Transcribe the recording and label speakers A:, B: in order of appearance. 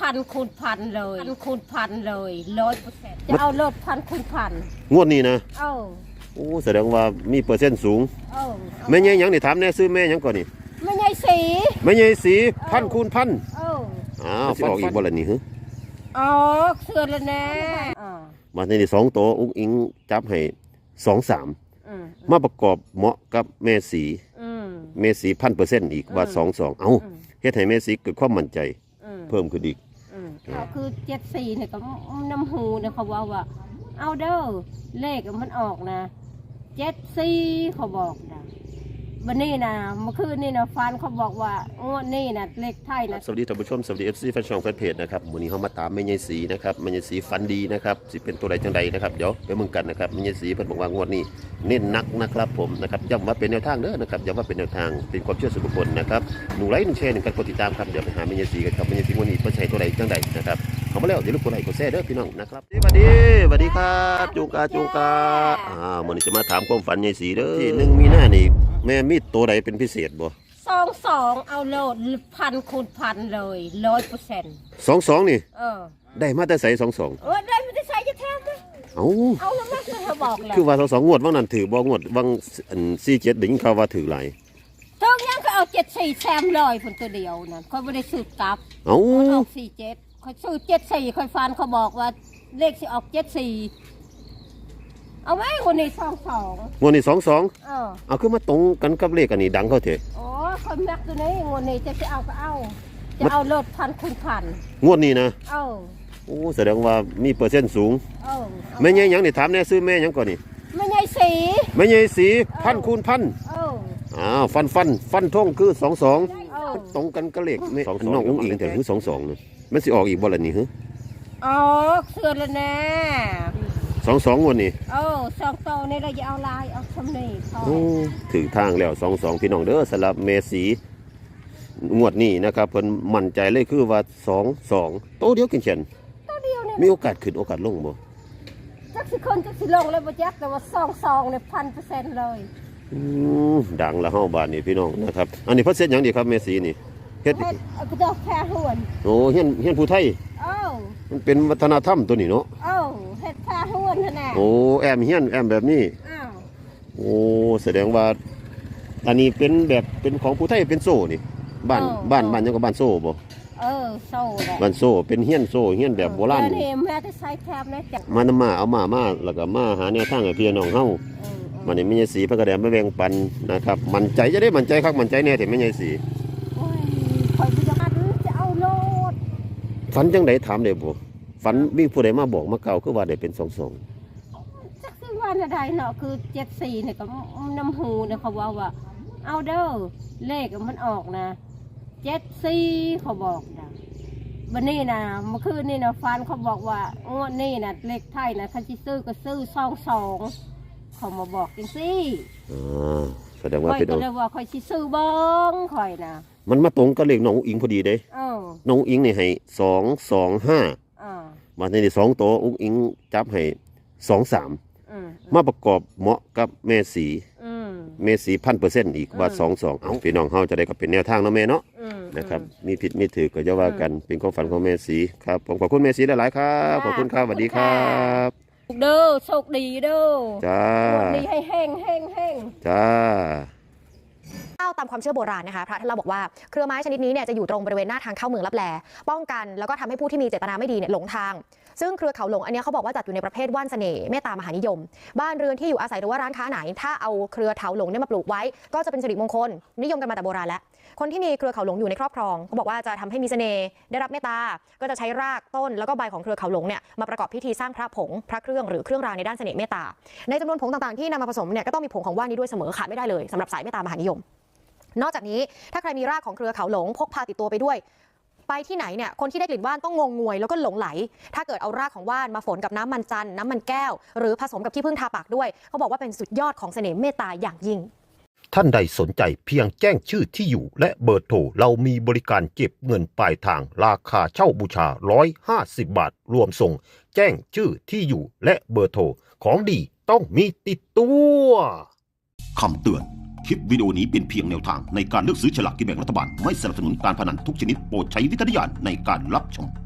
A: 1,000 คูณ 1,000เลย1,000 คูณ 1,000เลย100%จะเอารถ1,000 คูณ 1,000
B: งวดนี้นะ
A: โอ้
B: แสดงว่ามีเปอร์เซ็นต์สูงแม่ใหญ่หยังนี่ถามแน่ซื้อแม่หยังก่อนนี่
A: แม่ใหญ่สี
B: 1,000 คูณ 1,000สิออกอีกบ่ล่ะนี่ฮึ
A: อ๋อเสือแล้วแน่
B: มาในนี่2ตัวอุ้งอิงจับให้23มาประกอบเหมาะกับแม่สี1,000%อีกว่า22เอ้าเฮ็ดให้แม่สีเกิดความมั่นใจเพิ่มขึ้นอีก
A: คือ74เนี่ยก็น้ำหูเนี่ยเขาว่าเอาเด้อเลขมันออกนะ74เขาบอกนะวันนี้นะเมื่อคืนนี่นะฟันเขาบอกว่างวดนี้นะเลขไทยนะ
B: สวัสดีท่านผู้ชมสวัสดี FC แฟนช่องแฟนเพจนะครับวันนี้เฮามาตามแม่ใหญ่สีนะครับแม่ใหญ่สีฝันดีนะครับสิเป็นตัวใดจังใดนะครับเดี๋ยวไปเบิ่งกันนะครับแม่ใหญ่สีเพิ่นบอกว่างวดนี้เน้นหนักนะครับผมนะครับย้ำว่าเป็นแนวทางเด้อนะครับย้ำว่าเป็นแนวทางเป็นความเชื่อส่วนบุคคลนะครับ1 ไลค์ 1 แชร์ 1 การกดติดตามครับเดี๋ยวไปหาแม่ใหญ่สีกันครับแม่ใหญ่สีวันนี้เพิ่นใช้ตัวใดจังใดนะครับเข้ามาแล้วเดี๋ยวรบกวนไลค์กดแชร์เด้อพี่น้องนะครับสวัสดีครับจุงกามื้อนี้จะมาถามความฝันใหญ่สีเด้อที่1 มีนานี่แม่มีตัวใดเป็นพิเศษบ่
A: 22เอาโลด1,000 คูณ 1,000เลย100%
B: นี่ได้มาแต่ใส่22
A: ได้ไม่ได้ใส่จะแทบมั้ยเอาแล้วมั้ยเธอบอกแล้ว
B: คือว่า22งวดว่างนั้นถือบ่งวดว่าง47ได้ยินข่าวว่าถือหลาย
A: ถึงยังก็เอา74แซมเลยคนตัวเดียวนั่นค่อยบ่ได้ซื้อกลับเอา47ค่อยซื้อ74ค่อยฟันเขาบอกว่าเลขสิออก74เอาไว้วันนี้22
B: งวดนี้22เอาคือมาตรงกันกับเลขอันนี้ดังเขาเถอะ
A: โอ้คนแม็กตัวนี้งวดนี้จะเอาก็เอาจะเอารถ1,000 คูณ 1,000
B: งวดนี้นะแสดงว่ามีเปอร์เซ็นต์สูงแม่ใหญ่หยังนี่ถามแน่ซื้อแม่หยังก่อนนี่
A: แม่ใหญ่สี
B: 1,000 คูณ 1,000ฟันทงคือ22ตรงกันกับเลขแม่น้องอุ้งอิงแต่คือ22นี่มันสิออกอีกบ่ล่ะนี่ฮึ
A: เสือแล้วแน่
B: 22งวดนี้
A: 2โตนี่เราจะเอาลายเอาชมนี่
B: ถึงทางแล้ว22พี่น้องเด้อสำหรับเมสีงวดนี้นะครับเพิ่นมั่นใจเลยคือว่า22โตเดียวกินเช่น
A: โตเดียวเนี่ย
B: มีโอกาสขึ้นโอกาสลงบ่
A: จักสิคนจักสิลงเลยบ่จักแต่ว่า22เนี่ย 1,000% เลย
B: ดังละเฮาบาดนี้พี่น้องนะครับอันนี้เพิ่นเฮ็ดหยังดีครับเมสีนี่เฮ็ด
A: ก็จะแพ้หวน
B: เฮียนผู้ไทยมันเป็นวัฒนธรรมตัวนี้เนาะ
A: เฮ็ดแพ้หวนนั่นแหละ
B: แอมเฮียนแอมแบบนี้แสดงว่าอันนี้เป็นแบบเป็นของผู้ไทยเป็นโซ่นี่บ้านยังกับบ้านโซ่บ่
A: โซ่แหละ
B: บ้านโซ่เป็นเฮียนโซ่เฮียนแบบโบราณ
A: แม่จะใส่แคบนะจ๊ะ
B: มานำมาเอามาแล้วก็มาหาแนวทางให้พี่น้องเฮามันนี่แม่ใหญ่สีพระกระแดมมาแบ่งปันนะครับมั่นใจจะได้มั่นใจคักมั่นใจแน่แต่แม่ใหญ่สี
A: คอยจะเอาโลด
B: ฝันจังไดถามได้บ่ฝันมีผู้ใดมาบอกมาเก่าคือว่าได้เป็น22
A: จักคือว่าใดเนาะคือ74เนี่ยก็น้ำหูเนี่ยเขาว่าเอาเด้อเลขมันออกนะ74เขาบอกนะวันนี้นะเมื่อคืนนี่นะฟันเขาบอกว่างวดนี้นะเลขไทยนะคันสิซื้อก็ซื้อ22เขามาบอกจังซี่
B: แสดงว่าเป็น
A: ก็เลยว่าค่อยสิซื้อเบิ่งค่อยนะ
B: มันมาตรงกับเลขน้องอิงพอดีเด้น้องอิงนี่ให้225มาในนี่2ตัวอุ้งอิงจับให้23มาประกอบเหมาะกับแม่สี1,000%อีกว่า22เอ้าพี่น้องเฮาจะได้ก็เป็นแนวทางเนาะแม่เนาะนะครับมีผิดมีถูกก็จะว่ากันเป็นความฝันของแม่สีครับผมขอบคุณแม่สีหลายๆครับขอบคุณครับสวัสดีครับ
A: เด้อโชคดีเด้อ
B: จ้า
A: ดีให้แห้ง
B: จ้า
C: ตามความเชื่อโบราณนะคะพระท่านเล่าบอกว่าเครือไม้ชนิดนี้เนี่ยจะอยู่ตรงบริเวณหน้าทางเข้าเมืองลับแลป้องกันแล้วก็ทำให้ผู้ที่มีเจตนาไม่ดีเนี่ยหลงทางซึ่งเครือเขาหลงอันนี้เขาบอกว่าจัดอยู่ในประเภทว่านเสน่ห์เมตตามหานิยมบ้านเรือนที่อยู่อาศัยหรือว่าร้านค้าไหนถ้าเอาเครือเถาหลงเนี่ยมาปลูกไว้ก็จะเป็นสิริมงคลนิยมกันมาแต่โบราณแล้วคนที่มีเครือเขาหลงอยู่ในครอบครองเขาบอกว่าจะทำให้มีเสน่ห์ได้รับเมตตาก็จะใช้รากต้นแล้วก็ใบของเครือเขาหลงเนี่ยมาประกอบพิธีสร้างพระผงพระเครื่องหรือเครื่องรางในด้านเสน่ห์เมตตาในจำนวนผงต่างๆที่นำมาผสมเนี่ยก็ต้องมีผงของว่านนี้ด้วยเสมอขาดไม่ได้เลยสำหรับสายเมตตามหานิยมนอกจากนี้ถ้าใครมีรากของเครือเขาหลงพกพาติดตัวไปด้วยไปที่ไหนเนี่ยคนที่ได้กลิ่นว่านต้องงงงวยแล้วก็หลงไหลถ้าเกิดเอารากของว่านมาฝนกับน้ำมันจันทร์น้ำมันแก้วหรือผสมกับขี้ผึ้งทาปากด้วยเขาบอกว่าเป็นสุดยอดของเสน่ห์เมตตาอย่างยิ่ง
B: ท่านใดสนใจเพียงแจ้งชื่อที่อยู่และเบอร์โทรเรามีบริการเก็บเงินปลายทางราคาเช่าบูชา150 บาทรวมส่งแจ้งชื่อที่อยู่และเบอร์โทรของดีต้องมีติดตัวคำเตือนคลิปวิดีโอนี้เป็นเพียงแนวทางในการเลือกซื้อฉลากกินแบ่งรัฐบาลไม่สนับสนุนการพนันทุกชนิดโปรดใช้วิจารณญาณในการรับชม